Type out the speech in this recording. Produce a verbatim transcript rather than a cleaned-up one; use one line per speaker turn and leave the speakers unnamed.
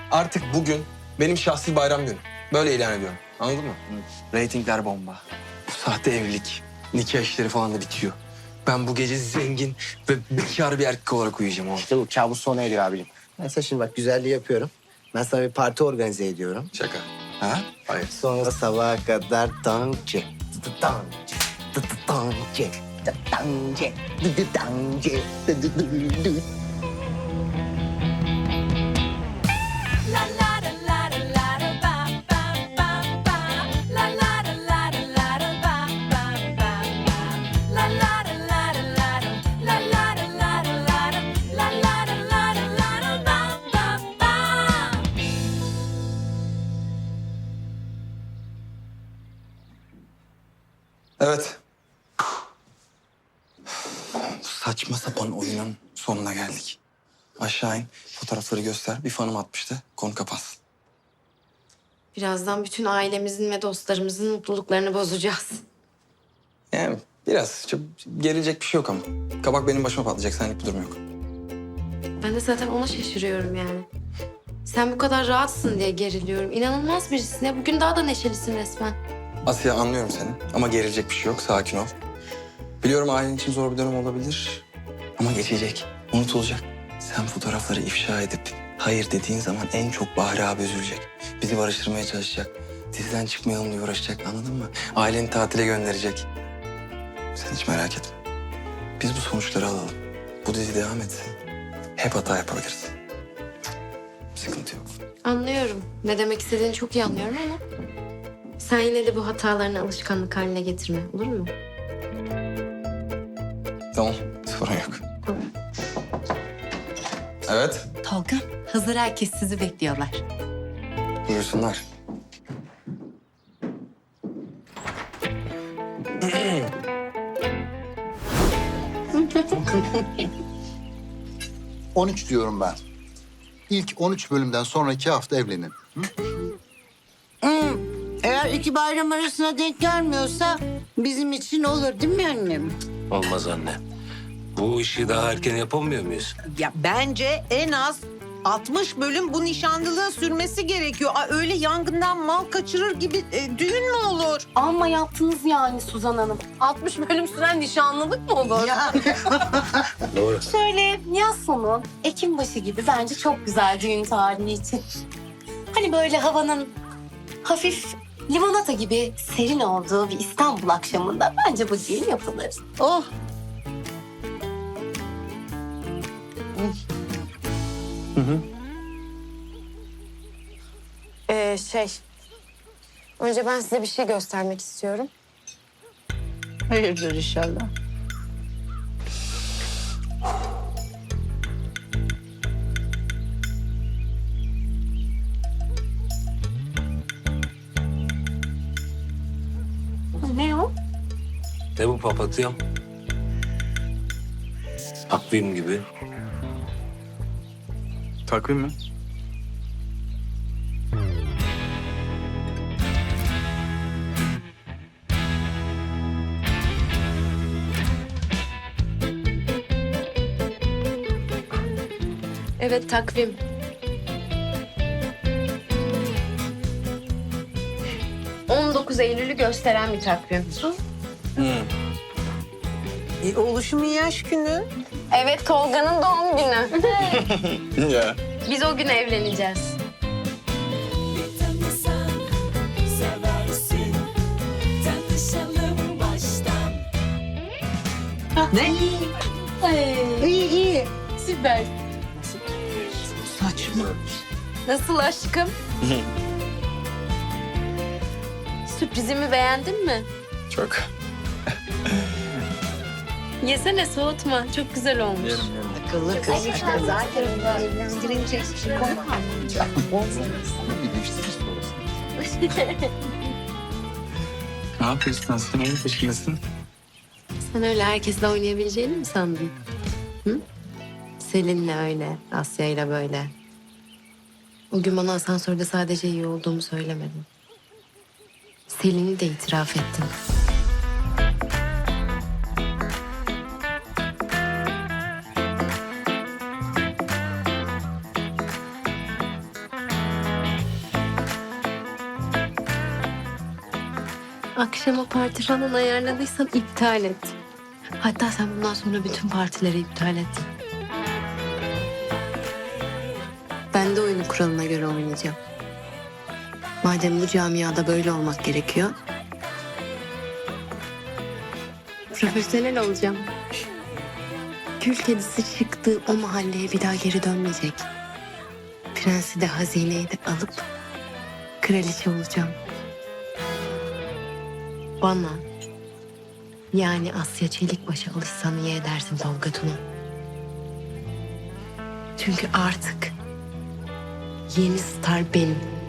Artık bugün benim şahsi bayram günüm. Böyle ilan ediyorum. Anladın mı? Hı. Ratingler bomba. Bu sahte evlilik, nikah işleri falan da bitiyor. Ben bu gece zengin ve bekar bir erkek olarak uyuyacağım oğlum.
İşte bu kabus sona eriyor abicim. Ben sana şimdi bak güzelliği yapıyorum. Ben sana bir parti organize ediyorum.
Şaka. Ha? Hayır.
Sonra sabaha kadar dancı. Dancı. Dancı. Dancı. Dancı. Dancı.
Evet. Bu saçma sapan oyunun sonuna geldik. Aşağı in, fotoğrafları göster. Bir fanım atmıştı, konu kapansın.
Birazdan bütün ailemizin ve dostlarımızın mutluluklarını bozacağız.
Yani biraz, çok gerilecek bir şey yok ama. Kabak benim başıma patlayacak, senlik bir durum yok.
Ben de zaten ona şaşırıyorum yani. Sen bu kadar rahatsın diye geriliyorum. İnanılmaz birisin ya. Bugün daha da neşelisin resmen.
Asya, anlıyorum seni ama gerilecek bir şey yok, sakin ol. Biliyorum ailen için zor bir dönem olabilir ama geçecek, unutulacak. Sen fotoğrafları ifşa edip hayır dediğin zaman en çok Bahri abi üzülecek. Bizi barıştırmaya çalışacak. Diziden çıkmayalım diye uğraşacak, anladın mı? Aileni tatile gönderecek. Sen hiç merak etme. Biz bu sonuçları alalım. Bu dizi devam etsin. Hep hata yapabiliriz. Sıkıntı yok.
Anlıyorum. Ne demek istediğini çok iyi anlıyorum ama... sen yine de bu hatalarını alışkanlık haline getirme. Olur mu?
Tamam, sorun yok.
Tamam.
Evet,
Tolga, hazır herkes sizi bekliyorlar.
buyursunlar.
on üç diyorum ben. İlk on üç bölümden sonraki hafta evlenin.
Eğer iki bayram arasına denk gelmiyorsa bizim için olur değil mi annem?
Olmaz anne. Bu işi daha erken yapamıyor muyuz?
Ya bence en az altmış bölüm bu nişanlılığın sürmesi gerekiyor. Aa, öyle yangından mal kaçırır gibi e, düğün mü olur?
Amma yaptınız yani Suzan Hanım. altmış bölüm süren nişanlılık mı olur?
Ya.
Doğru.
Şöyle yaz sonu, Ekim başı gibi bence çok güzel düğün tarihi için. Hani böyle havanın hafif limonata gibi serin olduğu bir İstanbul akşamında bence bu düğün yapılır.
Oh.
Ee, şey... Önce ben size bir şey göstermek istiyorum.
Hayırdır inşallah.
Ne o?
Ne bu papatyam? Takvim gibi.
Takvim mi?
Evet, takvim. on dokuz Eylül'ü gösteren bir takvim.
E, oluşumun yaş günü.
Evet, Tolga'nın doğum günü.
Ya.
Biz o gün evleneceğiz.
Ne?
İyi iyi.
Süper.
Saçma.
Nasıl aşkım? Sürprizimi beğendin mi?
Çok.
Yesene, soğutma. Çok güzel olmuş.
Akıllı kız. Zaten evlendirince hiçbir şey olmaz.
Bir değiştiririz sonrasında.
Ne yapıyorsun sen? Neyin peşindesin?
Sen öyle herkesle oynayabileceğini mi sandın? Hı? Selin'le öyle, Asya'yla böyle. O gün bana asansörde sadece iyi olduğumu söylemedin. Selin'i de itiraf ettin. akşama parti falan ayarladıysan iptal et. Hatta sen bundan sonra bütün partileri iptal et. Ben de oyunun kuralına göre oynayacağım. Madem bu camiada böyle olmak gerekiyor, profesyonel olacağım. Kül kedisi çıktığı o mahalleye bir daha geri dönmeyecek. Prensi de hazineyi de alıp kraliçe olacağım. Bana, yani Asya Çelikbaş'a alışsan iyi edersin Tolga Tuna. Çünkü artık yeni star benim.